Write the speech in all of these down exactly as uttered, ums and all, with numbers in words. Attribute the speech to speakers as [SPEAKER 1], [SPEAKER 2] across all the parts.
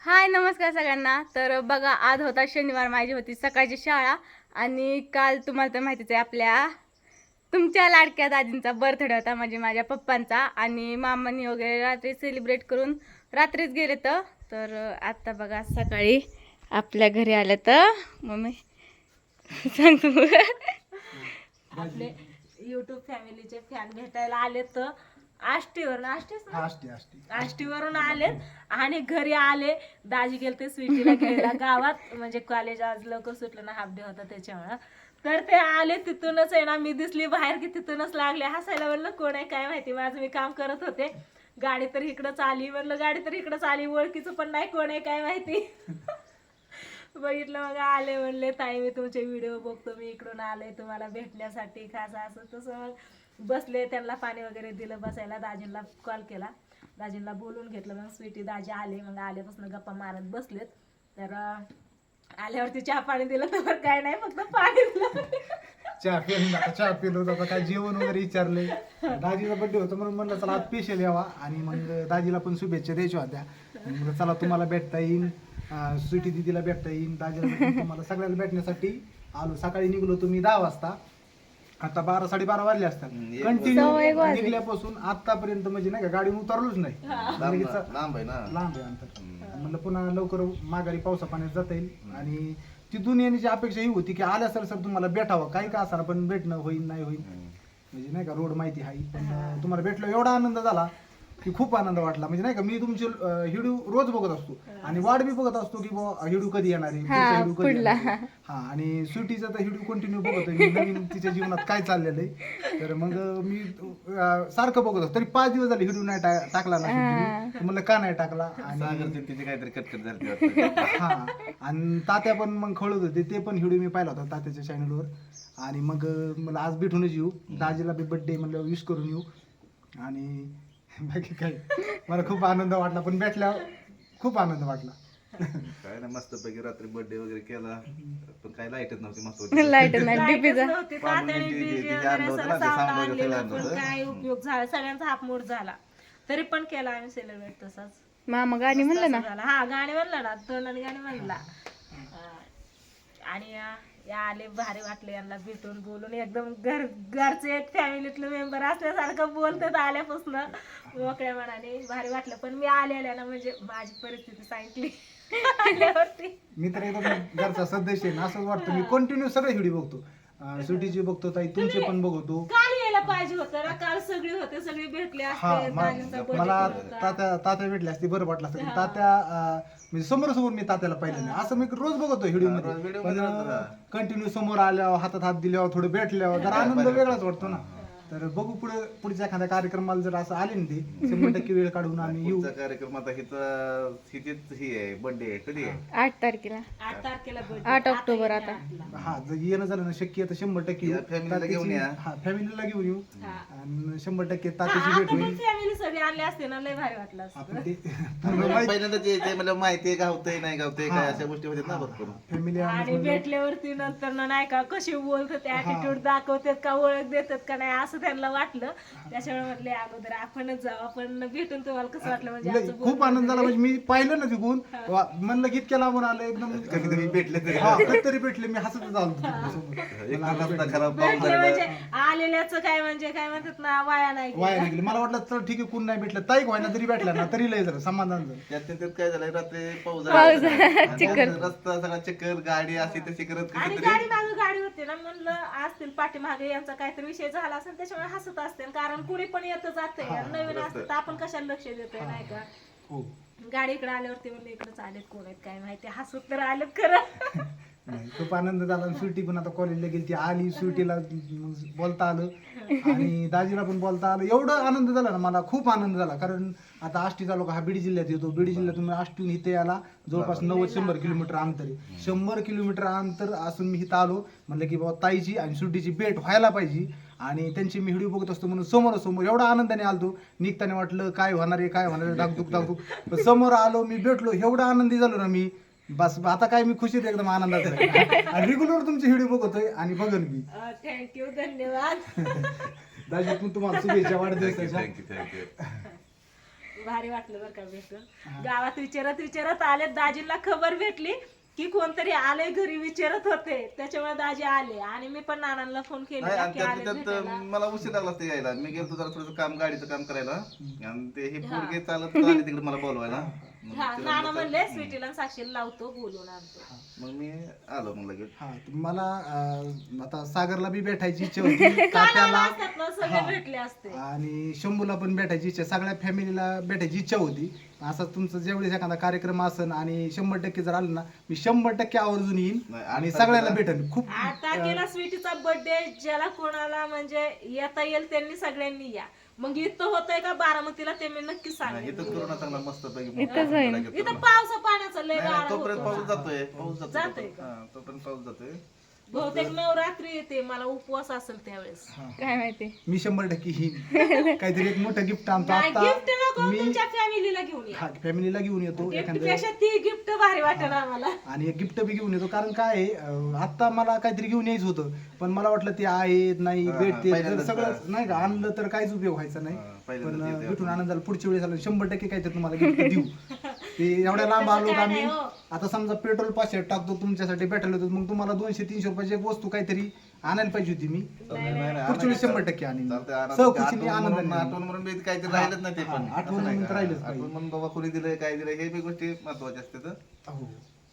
[SPEAKER 1] हाय नमस्कार सगळ्यांना. तर बघा, आज होता शनिवार, माझी होती सकाळची शाळा आणि काल तुम्हाला तर माहितीच आहे आपल्या तुमच्या लाडक्या दादींचा बर्थडे होता, म्हणजे माझ्या पप्पांचा. आणि मामांनी वगैरे रात्री सेलिब्रेट करून रात्रीच गेले. तर तर आता बघा सकाळी आपल्या घरी आलं तर मम्मी सांगतो आपले यूट्यूब फॅमिलीचे फॅन भेटायला आले तर आष्टीवरून आष्टी आष्टीवरून आलेत आणि घरी आले. दाजी गेलते स्वीटीला घ्यायला गावात, म्हणजे कॉलेज आज लवकर सुटलं ना, हाफ डे होता त्याच्यामुळं. तर ते आले तिथूनच आहे ना, मी दिसली बाहेर की तिथूनच लागले हसायला. म्हणलं कोण आहे काय माहिती, माझं मी काम करत होते. गाडी तर इकडंच आली, म्हणलं गाडी तर इकडंच आली, ओळखीचं पण नाही कोण आहे काय माहिती. बघितलं मग आले, म्हणले ताई मी तुमचे व्हिडिओ बघतो, मी इकडून आले तुम्हाला भेटण्यासाठी खास असं तसं. मग बसले, त्यांना पाणी वगैरे दिलं बसायला. दाजींना कॉल केला, दाजींना बोलून घेतलं. मग स्वीटी दाजी आले, मग आल्यापासून गप्पा मारत बसलेत. तर आल्यावरती चहा पाणी दिलं तर काय नाही, फक्त पाणी दिलं.
[SPEAKER 2] चहा पिलो आता चहा पिलो आता काय जेवण वगैरे विचारले. दाजीचा बर्थडे होता म्हणून म्हणलं चला आज स्पेशल यावा, आणि मग दाजीला पण शुभेच्छा द्यायच्या होत्या. मग चला तुम्हाला भेटता येईल, स्वीटी दिदीला भेटता येईल, दाजीला भेटता, तुम्हाला सगळ्याला भेटण्यासाठी आलो. सकाळी निघलो तुम्ही दहा वाजता, आता बारा साडेबारा वाजले असतात. कंटिन्यू निघल्यापासून आतापर्यंत म्हणजे नाही का गाडी उतरलोच नाही. लांब आहे ना, लांब आहे अंतर. म्हणलं पुन्हा लवकर माघारी पावसा पाण्यात जाता येईल. आणि तिथून येण्याची अपेक्षा ही होती की आल्या सर सर तुम्हाला भेटावं, काही का असणार पण भेटणं होईल नाही होईल, म्हणजे नाही का रोड माहिती आहे. पण तुम्हाला भेटलो एवढा आनंद झाला की खूप आनंद वाटला. म्हणजे नाही का मी तुमचे हिडू रोज बघत असतो आणि वाट बी बघत असतो की बाबा हिडू कधी येणार आहे, हिडू कधी येणार आहे. हा, आणि स्वीटीचा तर हिडू कंटिन्यू बघत आहे, नवीन तिच्या जीवनात काय चाललेलं आहे. तर मग मी सारखं बघत असतो. तरी पाच दिवस झाले हिडू नाही टाकला ना, म्हणलं का नाही टाकला. आणि
[SPEAKER 3] तिची काहीतरी कटकट झाली.
[SPEAKER 2] हा, आणि तात्या पण मग खळत होते, ते पण हिडू मी पाहिला होता तात्याच्या चॅनलवर. आणि मग मला आज भेटूनच येऊ, दाजीला बी बर्थडे म्हणलं विश करून येऊ. आणि बाकी काय मला खूप आनंद वाटला, पण भेटल्यावर खूप आनंद वाटला.
[SPEAKER 3] काय ना मस्त पैकी रात्री बर्थडे वगैरे केला, पण काय लाईटच नव्हती. मस्त
[SPEAKER 1] लाईट नाही, डीपीचा
[SPEAKER 4] काय उपयोग झाला, सगळ्यांचा हापमोड झाला. तरी पण केला आम्ही सेलिब्रेट तसाच.
[SPEAKER 1] मामा गाणी म्हणलं ना,
[SPEAKER 4] हा गाणी म्हणलं ना, तोंडाने गाणी म्हणला. आणि या आले, भारी वाटले यांना भेटून बोलून. एकदम घर घरचे एक फॅमिलीतले मेंबर असल्यासारखं बोलतात आल्यापासून, मोकळ्या मनाने भारी वाटलं. पण मी आलेल्या ना, म्हणजे माझी परिस्थिती सांगितली आल्यावरती.
[SPEAKER 2] मी तर एकदम घरचा सदस्य आहे ना, असंच वाटतं. मी कंटिन्यू सगळे व्हिडिओ बघतो, सुटीची बघतो, ताई तुमचे पण बघतो.
[SPEAKER 4] काल यायला पाहिजे होतं ना, काल सगळे होते, सगळे भेटले असते.
[SPEAKER 2] मला तात्या तात्या भेटले असते बरं वाटलं असतं. तात्या म्हणजे समोर समोर मी तात्याला पाहिलं नाही, असं मी रोज बघतो व्हिडिओ मध्ये. पण कंटिन्यू समोर आल्यावर हातात हात दिल्यावर थोडं भेटल्यावर जरा आनंद वेगळाच वाटतो ना. तर बघू पुढे पुढच्या एखाद्या कार्यक्रमाला जर असं आले ना, ते शंभर टक्के वेळ काढून आम्ही येऊ.
[SPEAKER 3] कार्यक्रम आता हिचा हिचीच ही आहे बर्थडे, कधी आहे?
[SPEAKER 1] आठ तारखेला
[SPEAKER 4] आठ तारखेला
[SPEAKER 1] आठ ऑक्टोबर. आता
[SPEAKER 2] हा, जर येणं झालं ना शक्य तर शंभर टक्के येऊ.
[SPEAKER 3] फॅमिलीला घेऊन या.
[SPEAKER 2] हा, फॅमिलीला घेऊन येऊ आणि शंभर टक्के तात्याची भेट होईल.
[SPEAKER 4] फॅमिली सगळी आणली असते ना, लय भारी वाटलं असतं.
[SPEAKER 2] आपण ते
[SPEAKER 3] पहिल्यांदाच यायचंय म्हणजे माहिती गावतंय नाही गावतंय काय अशा गोष्टी होत्या ना भरपूर.
[SPEAKER 2] फॅमिली
[SPEAKER 4] आणि भेटल्यावरती नंतर ना नाही का कशी बोलतात, ऍटिट्यूड दाखवतात का, ओळख देतात का नाही, असं त्यांना वाटलं. त्याच्यामुळे म्हटले अगोदर आपणच जाऊ, आपण भेटून तुम्हाला कसं वाटलं. म्हणजे
[SPEAKER 2] लय- खूप आनंद झाला. म्हणजे मी पाहिलं ना तिकून, वा, म्हणलं की इतक्या लांबून आलं एकदम.
[SPEAKER 3] कधीतरी भेटले तरी
[SPEAKER 2] हा, कधीतरी भेटले, मी हसतच आलो तिच्यासोबत.
[SPEAKER 3] एक रस्ता खराब पाऊस
[SPEAKER 4] भेटले
[SPEAKER 3] झालेला.
[SPEAKER 4] म्हणजे आलेल्याच काय म्हणजे काय म्हणतात ना, वाया नाही गेलं.
[SPEAKER 2] वाया नाही गेली. मला वाटलं चल ठीक आहे, कोण नाही भेटलं, ताईक व्हायना तरी भेटला ना तरी लय झालं, समाधान झालं.
[SPEAKER 3] त्यात त्यात काय झालं, रात्री पाऊस झाला आणि रस्ता सगळा चक्कर, गाडी अशी तशी करत
[SPEAKER 4] आणि
[SPEAKER 3] कधीतरी
[SPEAKER 4] गाडी मागे गाडी होती ना, म्हणलं असतील पाठीमागे यांचा काहीतरी विषय झाला असेल, त्याच्यामुळे हसत असते. कारण कुणी पण येतं जाते, नवीन असतं तर आपण कशाला लक्ष देतोय नाही का.
[SPEAKER 2] हो,
[SPEAKER 4] गाडी इकडे आल्यावरती म्हणलं इकडेच आलेत, कोण आहेत काय माहिती, हसत तर आलेत खरं.
[SPEAKER 2] नाही, खूप आनंद झाला. स्वीटी पण आता कॉलेजला गेली, ती आली, स्वीटीला बोलता आलं आणि दाजीला पण बोलता आलं. एवढं आनंद झाला ना, मला खूप आनंद झाला. कारण आता आष्टी तालुका हा बीड जिल्ह्यात येतो. बीड जिल्ह्यातून आष्टीहून इथे याला जवळपास नव्वद शंभर किलोमीटर अंतर आहे. शंभर किलोमीटर अंतर असून मी इथं आलो. म्हणलं की बाबा ताईची आणि स्वीटीची भेट व्हायला पाहिजे, आणि त्यांची मी व्हिडिओ बघत असतो म्हणून समोरासमोर एवढा आनंदाने आलतो. निघताना वाटलं काय होणार आहे काय होणार आहे, धाकधूक धाकधूक, पण समोर आलो, मी भेटलो, एवढा आनंदी झालो ना मी. बस आता काय मी खुशीत एकदम आनंदात आहे. आणि रेग्युलर तुमचे व्हिडिओ बघतोय आणि बघन मी.
[SPEAKER 4] थँक्यू, धन्यवाद.
[SPEAKER 2] दाजी पण तुम्हाला शुभेच्छा वाढदिवसाच्या.
[SPEAKER 3] Thank you thank you.
[SPEAKER 1] भारी वाटलं बरं का भेटून. गावात विचारत विचारत आले, दाजींना खबर भेटली की कोणतरी आले घरी विचारत होते, त्याच्यामुळे दाजी आले आणि मी पण नानांना फोन
[SPEAKER 3] नाही
[SPEAKER 1] केला
[SPEAKER 3] आणि
[SPEAKER 1] की
[SPEAKER 3] त्यात
[SPEAKER 1] आले
[SPEAKER 3] त्यात
[SPEAKER 1] भेटायला.
[SPEAKER 3] मला उशीर लागला असता यायला. मी गेलो जरा थोडंसं काम गाडीचं काम करायला आणि ते हे पोरगे चालत आले तिकडे मला बोलवायला. मग
[SPEAKER 1] हा
[SPEAKER 3] तिला
[SPEAKER 1] नाना
[SPEAKER 3] म्हणलं,
[SPEAKER 1] म्हणले स्वीटीला आणि साक्षीला लावतो, बोलून आणतो.
[SPEAKER 3] मग मी आलो मग लगेच.
[SPEAKER 2] हा तर मला अं, आता सागरला बी भेटायची इच्छा होती, तात्याला
[SPEAKER 1] असतात ना सगळे भेटले असते.
[SPEAKER 2] आणि शंभूला पण भेटायची इच्छा, सगळ्या फॅमिलीला भेटायची इच्छा होती. असं तुमचं जेवढेच एखादा कार्यक्रम असेल आणि शंभर टक्के जर आलं ना, मी शंभर टक्के आवर्जून येईन
[SPEAKER 3] नाही,
[SPEAKER 2] आणि
[SPEAKER 3] आठ
[SPEAKER 2] सगळ्याला
[SPEAKER 3] तारखेला-
[SPEAKER 2] भेटेन. खूप
[SPEAKER 1] आठ तारखेला स्वीटीचा बर्थडे, ज्याला कोणाला म्हणजे येता येईल त्यांनी सगळ्यांनी या. मग इथं होतंय का बारामतीला ते मी नक्की
[SPEAKER 3] नाही,
[SPEAKER 1] सांगेन.
[SPEAKER 3] इथंच करू ना चांगला मस्त पैकी.
[SPEAKER 1] इथं पावसा पाण्याचा लय गाळा
[SPEAKER 3] तोपर्यंत
[SPEAKER 1] होतो
[SPEAKER 3] पाऊस
[SPEAKER 1] ना.
[SPEAKER 3] जातोय पाऊस
[SPEAKER 1] जातोय
[SPEAKER 3] जातोय
[SPEAKER 1] का?
[SPEAKER 3] हा, तोपर्यंत पाऊस जातोय.
[SPEAKER 1] बहुतेक नवरात्री येते, मला उपवास असेल त्यावेळेस.
[SPEAKER 5] काय माहिती.
[SPEAKER 2] मी शंभर टक्के येईन. काहीतरी एक मोठं गिफ्ट आणतो
[SPEAKER 1] नाही, गिफ्ट
[SPEAKER 2] आता
[SPEAKER 1] नको,
[SPEAKER 2] मी.
[SPEAKER 1] तुमच्या फॅमिलीला घेऊन या.
[SPEAKER 2] हा फॅमिलीला घेऊन येतो
[SPEAKER 1] गिफ्ट
[SPEAKER 2] एखादं
[SPEAKER 1] पेक्षा ती गिफ्ट भारी वाटेल आम्हाला.
[SPEAKER 2] आणि एक गिफ्ट बी घेऊन येतो. कारण काय आहे, अं, आता मला काहीतरी घेऊन यायचं होतं, पण मला वाटलं ते आहेत नाही
[SPEAKER 3] हा,
[SPEAKER 2] भेटते तर
[SPEAKER 3] पहिल्यांदाच
[SPEAKER 2] सगळं
[SPEAKER 3] का?
[SPEAKER 2] नाही का आणलं तर काहीच उपयोग व्हायचा नाही.
[SPEAKER 3] हा,
[SPEAKER 2] पण
[SPEAKER 3] पहिल्यांदाच
[SPEAKER 2] अं,
[SPEAKER 3] येते
[SPEAKER 2] भेटून
[SPEAKER 3] आपण.
[SPEAKER 2] आनंद झाला. पुढच्या वेळेस आलं शंभर टक्के काहीतरी तुम्हाला गिफ्ट देऊ. ते एवढ्या लांब आलो
[SPEAKER 1] तसं
[SPEAKER 2] का
[SPEAKER 1] काय
[SPEAKER 2] मी,
[SPEAKER 1] नाही हो.
[SPEAKER 2] आता समजा पेट्रोल पाचशे टाकतो तुमच्यासाठी भेटायला होतो, मग तुम्हाला दोनशे तीनशे रुपयाची एक वस्तू काहीतरी आणायला पाहिजे होती मी.
[SPEAKER 3] नाही, नाही, नाही,
[SPEAKER 2] पुढच्या वेळेस शंभर टक्के आणीन.
[SPEAKER 3] चालतंय, आणा.
[SPEAKER 2] सहकुशीने
[SPEAKER 3] आठवण
[SPEAKER 2] आनंदाने
[SPEAKER 3] म्हणून-
[SPEAKER 2] आणीन.
[SPEAKER 3] आठवण म्हणून बी काहीतरी राहिलंच नाही ते पण.
[SPEAKER 2] हा, आठवण
[SPEAKER 3] असं नाही
[SPEAKER 2] म्हणून
[SPEAKER 3] का?
[SPEAKER 2] राहिलंच पाहिजे.
[SPEAKER 3] आठवण म्हणून बाबा कोणी दिलंय काय दिलंय हे बी गोष्टी महत्वाच्या असतात.
[SPEAKER 2] हो.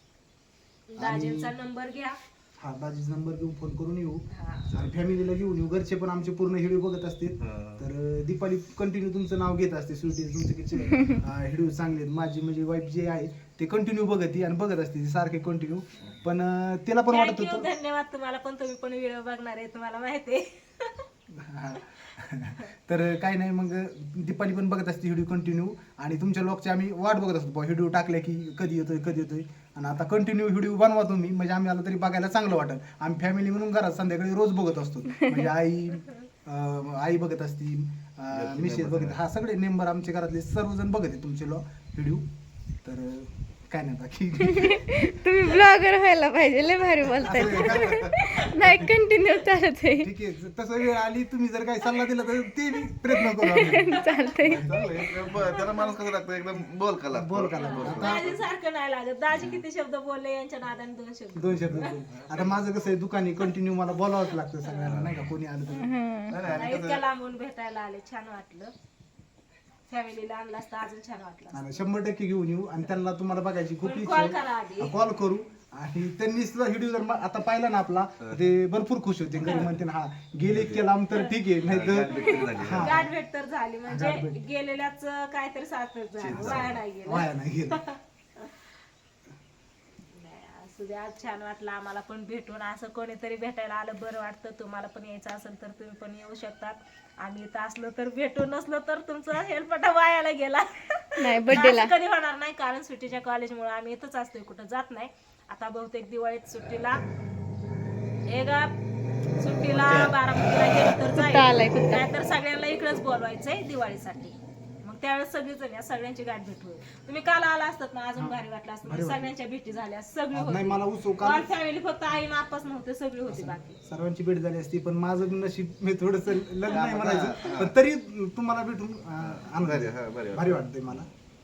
[SPEAKER 1] दाजींचा नंबर घ्या.
[SPEAKER 2] हा दाजीचा नंबर घेऊन फोन करून येऊ
[SPEAKER 1] हा.
[SPEAKER 2] आणि फॅमिलीला घेऊन येऊ. घरचे पण आमचे पूर्ण व्हिडिओ बघत असतील.
[SPEAKER 3] हा.
[SPEAKER 2] तर अं, दीपाली कंटिन्यू तुमचं नाव घेत असते. स्वीटी तुमचे किती व्हिडिओ चांगले आहेत. माझी म्हणजे वाईफ जे आहे ते कंटिन्यू बघत आणि बघत असते सारखे कंटिन्यू. पण अं, तिला पण वाटत
[SPEAKER 1] थँक्यू,
[SPEAKER 2] होतं.
[SPEAKER 1] धन्यवाद तुम्हाला पण. तुम्ही पण व्हिडिओ बघणार आहे, तुम्हाला माहिती आहे.
[SPEAKER 2] हा. तर काय नाही, मग दीपाली पण बघत असते व्हिडिओ कंटिन्यू आणि तुमच्या लोकचे आम्ही वाट बघत असतो. व्हिडिओ टाकले की कधी येतोय कधी येतोय. आणि आता कंटिन्यू व्हिडिओ बनवा तुम्ही, म्हणजे आम्ही आलो तरी बघायला चांगलं वाटेल. आम्ही फॅमिली म्हणून घरात संध्याकाळी रोज बघत असतो. म्हणजे आई अं, आई बघत असती, मिसेस बघत, हा सगळे मेंबर आमच्या घरातले सर्वजण बघत आहे तुमचे व्हिडिओ. तर अं, काय नाही बाकी.
[SPEAKER 5] तुम्ही ब्लॉगर व्हायला पाहिजे, लय भारी बोलताय. नाही कंटिन्यू चालत आहे.
[SPEAKER 2] ठीक आहे, तसं वेळ आली तुम्ही जर काही सल्ला दिला तर ते बी प्रयत्न करू आम्ही.
[SPEAKER 5] चालतंय.
[SPEAKER 3] चांगलं आहे. ब- त्याला माणूस कसं लागतं एकदम बोल का लागतो.
[SPEAKER 2] बोल का लागतो. आता
[SPEAKER 1] दाजी सारखं नाही लागत. दाजी किती शब्द बोलले, यांच्या नादाने दोन शब्द.
[SPEAKER 2] दोन शब्द बोल. आता माझं कसं आहे, दुकानी कंटिन्यू मला बोलावंच लागतं सगळ्यांना, नाही का कोणी आलं तर.
[SPEAKER 3] नाही, नाही, आणि
[SPEAKER 1] इतक्या लांबून भेटायला आले, छान वाटलं. फॅमिलीला आणलं असतं अजून छान वाटलं असतं.
[SPEAKER 2] आणि शंभर टक्के घेऊन येऊ आणि त्यांना तुम्हाला बघायची खूप
[SPEAKER 1] पण
[SPEAKER 2] इच्छा
[SPEAKER 1] call करा आधी.
[SPEAKER 2] आहे. कॉल करू. आणि त्यांनी सुद्धा व्हिडिओ जर म- आता पाहिला ना आपला, ते भरपूर खुश होते. घरी म्हणते ना, हा गेले इतके लांब तर ठीक आहे, नाही
[SPEAKER 3] गाठ भेट तरी झाली.
[SPEAKER 2] तर हा
[SPEAKER 1] गाठ भेट तर झाली, म्हणजे
[SPEAKER 2] गाठ भेट.
[SPEAKER 1] गेलेल्याच काहीतरी सार्थक झालं, वाया नाही गेलं.
[SPEAKER 2] वाया नाही गेलं.
[SPEAKER 1] नाही, असू द्या, आज छान वाटलं आम्हाला पण भेटून. असं कोणीतरी भेटायला आलं बरं वाटतं. तुम्हाला पण यायचं असेल तर तुम्ही पण येऊ शकतात. आम्ही इथं असलो तर भेटू, नसलो तर तुमचा हेल्पटा वायाला गेला.
[SPEAKER 5] नाही बर्थडेला
[SPEAKER 1] असं कधी होणार नाही, कारण सुट्टीच्या कॉलेजमुळे आम्ही इथंच असतोय, कुठं जात नाही. आता बहुतेक दिवाळीत सुट्टीला हे गा सुट्टीला बारामतीला गेलो तर
[SPEAKER 5] कुत्ता आलाय,
[SPEAKER 1] जाईल,
[SPEAKER 5] कुत्ता.
[SPEAKER 1] नाहीतर सगळ्यांना इकडेच बोलवायचंय दिवाळीसाठी. मग त्यावेळेस सगळीजण या, सगळ्यांची गाठ भेट होईल. तुम्ही काल आला असतात ना, अजून भारी वाटलं असतं. म्हणजे सगळ्यांच्या भेटी झाल्या, सगळी
[SPEAKER 2] नाही
[SPEAKER 1] होती.
[SPEAKER 2] मला उत्सव काल
[SPEAKER 1] ऑल फॅमिली, फक्त आई ना आप्पाच नव्हते, सगळी होती बाकी.
[SPEAKER 2] सर्वांची भेट झाली असती, पण माझं नशीब मी थोडस लग्न नाही म्हणायचं, पण तरी तुम्हाला भेटून अं, आनंद
[SPEAKER 3] बरे,
[SPEAKER 2] झाला.
[SPEAKER 3] हा, बरे
[SPEAKER 2] भारी वाटतंय मला.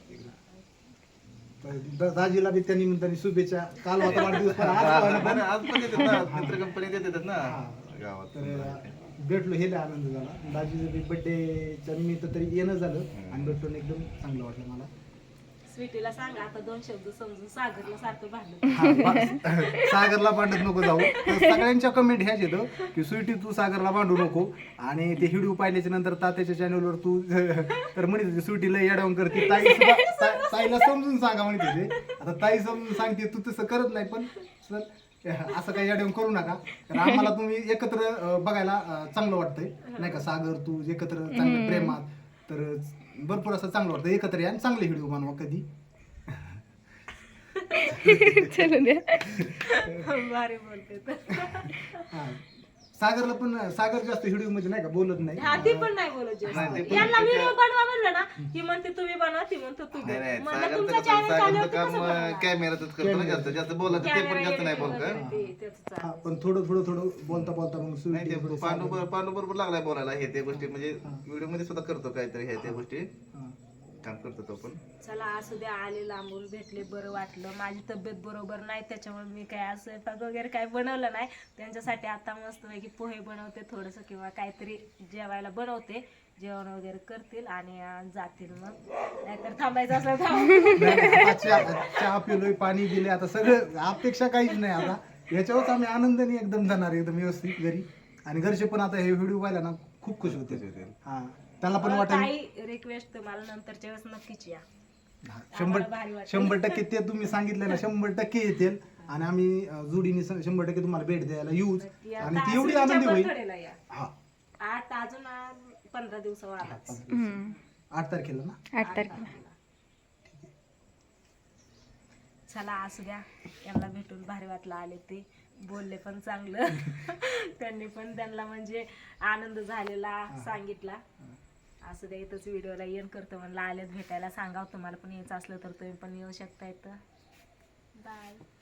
[SPEAKER 2] तर द- दाजीला बी त्या निमित्ताने शुभेच्छा. काल होता वाढदिवस, पण आज व्हायला पण.
[SPEAKER 3] आज पण येतात ना मित्र कंपनी येतात ना गावात.
[SPEAKER 2] तर भेटलो, हे लय आनंद झाला. दाजीचं बी बर्थडेच्या निमित्त तरी येणं झालं आणि भेटलो, एकदम चांगलं वाटलं मला.
[SPEAKER 1] स्वीटीला सांगा आता दोन शब्द समजून, सागरला सारखं भांडलं.
[SPEAKER 2] हा, बा- सागरला भांडत नको जाऊ. तर सगळ्यांच्या कमेंट ह्याच येतं की स्वीटी तू सागरला भांडू नको. आणि ते व्हिडिओ पाहिल्याच्या नंतर तात्याच्या चॅनलवर तू तर म्हणत होती स्वीटीला येडावून करते. ताई सुद्धा ता- ताईला समजून सांगा म्हणते ते. आता ताई समजून सांगते, तू तसं करत नाही, पण सर असं काही येडावून करू नका. कारण आम्हाला तुम्ही एकत्र अं, बघायला अं, चांगलं वाटतंय, नाही का. सागर तू एकत्र चांगलं प्रेमात, तर भरपूर असं चांगलं वाटतं. एकत्र या आणि चांगले व्हिडिओ बनवा कधी.
[SPEAKER 5] चलू द्या.
[SPEAKER 1] भारी बोलते तर.
[SPEAKER 2] हा. सागरला पण, सागर जास्त व्हिडिओ मध्ये नाही का बोलत नाही.
[SPEAKER 1] हा, ती पण नाही बोलत जास्त.
[SPEAKER 3] नाही, ते पण
[SPEAKER 1] यांना
[SPEAKER 3] तिच्या-
[SPEAKER 1] व्हिडिओ बनवा म्हणलं ना, ही म्हणते तुम्ही बनवा, ती म्हणते तू
[SPEAKER 3] नाही, नाही,
[SPEAKER 1] म्हणलं
[SPEAKER 3] सागरचं
[SPEAKER 1] तुमचा
[SPEAKER 3] कसं-
[SPEAKER 1] चॅनल
[SPEAKER 3] सागरचं
[SPEAKER 1] चालवते
[SPEAKER 3] काम
[SPEAKER 1] कसं बनवणार?
[SPEAKER 3] कॅमेरातच करतो ना, जास्त जास्त बोलत ते पण जास्त नाही बोलत का?
[SPEAKER 1] कॅमेरा ते- त्याचं चालू.
[SPEAKER 2] हा, पण थोडं थोडं थोडं बोलता बोलता मग
[SPEAKER 3] नाही
[SPEAKER 2] सुरती
[SPEAKER 3] ते
[SPEAKER 2] थोडी
[SPEAKER 3] पांडू
[SPEAKER 2] सागर-
[SPEAKER 3] पांडू बरोबर लागलाय बोलायला हे ते गोष्टी, म्हणजे व्हिडिओ मध्ये सुद्धा करतो काहीतरी हे त्या गोष्टी.
[SPEAKER 2] हा.
[SPEAKER 3] काम करतो तो पण.
[SPEAKER 1] चला असू द्या, आले लांबून भेटले, बरं वाटलं. माझी तब्येत बरोबर नाही त्याच्यामुळे मी काय असं स्वयंपाक वगैरे काय बनवलं नाही. त्यांच्यासाठी आता मस्तपैकी पोहे बनवते थोडंसं किंवा काहीतरी जेवायला बनवते, जेवण वगैरे करतील आणि अं, जातील. मग नाहीतर थांबायचं असलं थांब.
[SPEAKER 2] नाही, आता चहा चहा पिलोय, पाणी दिले, आता सगळं अपेक्षा काहीच नाही. आता याच्यावरच आम्ही आनंदाने एकदम जाणार एकदम व्यवस्थित घरी. आणि घरचे पण आता हे व्हिडिओ पाहिला ना खूप खुश होते. हा, त्यांना पण वाटेल
[SPEAKER 1] काही रिक्वेस्ट तुम्हाला नंतरच्या वेळेस नक्कीच या.
[SPEAKER 2] हा, शंभर
[SPEAKER 1] आम्हाला भारी वाटेल.
[SPEAKER 2] शंभर टक्के ते तुम्ही सांगितलं ना शंभर टक्के येतील. आणि आम्ही अं, जोडीने स- शंभर टक्के तुम्हाला भेट द्यायला येऊच.
[SPEAKER 1] या.
[SPEAKER 2] आणि ती
[SPEAKER 1] आता
[SPEAKER 2] एवढी
[SPEAKER 1] सुट्टीच्या
[SPEAKER 2] आनंदी होईल.
[SPEAKER 1] birthday ला या.
[SPEAKER 2] हा,
[SPEAKER 1] आठ अजून आ- पंधरा दिवसावर आलाच.
[SPEAKER 5] हम्म.
[SPEAKER 2] आठ तारखेला ना.
[SPEAKER 5] आठ तारखेला.
[SPEAKER 1] चला असू द्या, यांना भेटून भारी वाटलं. आले ते बोलले पण चांगलं. त्यांनी पण त्यांना म्हणजे आनंद झालेला सांगितला. असू द्या, इथंच व्हिडिओला येण करतो म्हणलं, आलेत भेटायला सांगावं. तुम्हाला पण यायचं असलं तर तुम्ही पण येऊ शकता इथं. बाय.